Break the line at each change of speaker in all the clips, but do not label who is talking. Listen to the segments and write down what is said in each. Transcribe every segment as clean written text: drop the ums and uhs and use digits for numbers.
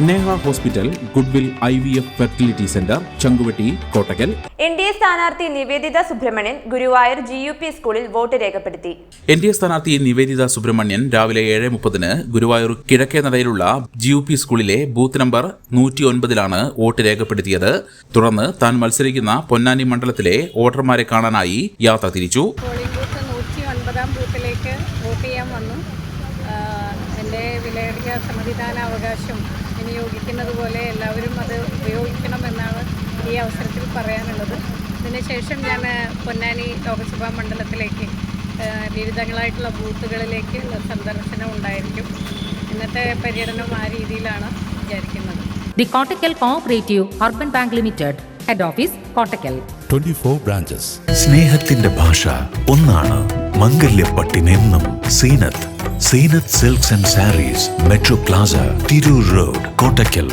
Neha hospital, Goodwill IVF fertility centre, Changuvetty, Kottakkal.
NDA സ്ഥാനാർത്ഥി Nivedita Subrahmanian Guruvayur GUP സ്കൂളിൽ vote രേഖപ്പെടുത്തി.
NDA സ്ഥാനാർത്ഥി നിവേദിത സുബ്രഹ്മണ്യൻ രാവിലെ 7:30 ഗുരുവായൂർ കിഴക്കേനടയിലുള്ള GUP സ്കൂളിലെ ബൂത്ത് നമ്പർ 109 വോട്ട് രേഖപ്പെടുത്തിയത്. തുടർന്ന് താൻ മത്സരിക്കുന്ന പൊന്നാനി മണ്ഡലത്തിലെ വോട്ടർമാരെ കാണാനായി യാത്ര തിരിച്ചു.
ബൂത്തിലേക്ക് വോട്ട് ചെയ്യാൻ വന്നു. എൻ്റെ വിലയേറിയ സമ്മതിദാനാവകാശം വിനിയോഗിക്കുന്നത് പോലെ എല്ലാവരും അത് ഉപയോഗിക്കണമെന്നാണ് ഈ അവസരത്തിൽ പറയാനുള്ളത്. ഇതിനുശേഷം ഞാൻ പൊന്നാനി ലോക്സഭാ മണ്ഡലത്തിലേക്ക് വിവിധങ്ങളായിട്ടുള്ള ബൂത്തുകളിലേക്ക് സന്ദർശനം ഉണ്ടായിരിക്കും. ഇന്നത്തെ പര്യടനം ആ രീതിയിലാണ് വിചാരിക്കുന്നത്.
The Kottakkal cooperative urban bank limited, head office Kottakkal.
24 branches.
സ്നേഹത്തിന്റെ ഭാഷ ഒന്നാണ്. മംഗല്യപ്പട്ടിനെന്നും Zeenath silks and sarees, metro plaza, Tirur road, Kottakkal.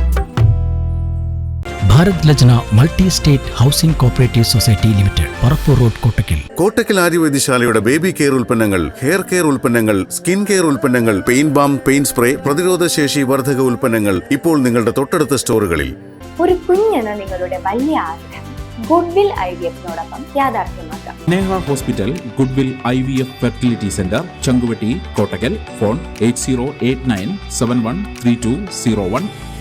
Bharat Lajna multi state housing cooperative society limited, Parappur road, Kottakkal.
Kottakkal ആര്യവൈദ്യശാലയുടെ ബേബി കെയർ ഉൽപ്പന്നങ്ങൾ, ഹെയർ കെയർ ഉൽപ്പന്നങ്ങൾ, സ്കിൻ കെയർ ഉൽപ്പന്നങ്ങൾ, പെയിൻ ബാം, പെയിൻ സ്പ്രേ, പ്രതിരോധശേഷി വർധക ഉൽപ്പന്നങ്ങൾ ഇപ്പോൾ നിങ്ങളുടെ തൊട്ടടുത്ത സ്റ്റോറുകളിൽ.
ഒരു കുഞ്ഞെന്ന നിങ്ങളുടെ വലിയ ആഗ്രഹം ഗുഡ്വിൽ IVFനോടൊപ്പം യാഥാർത്ഥ്യമാക്കാം.
Neha hospital, Goodwill IVF fertility centre, Changuvetty, Kottakkal. Phone 8089713201.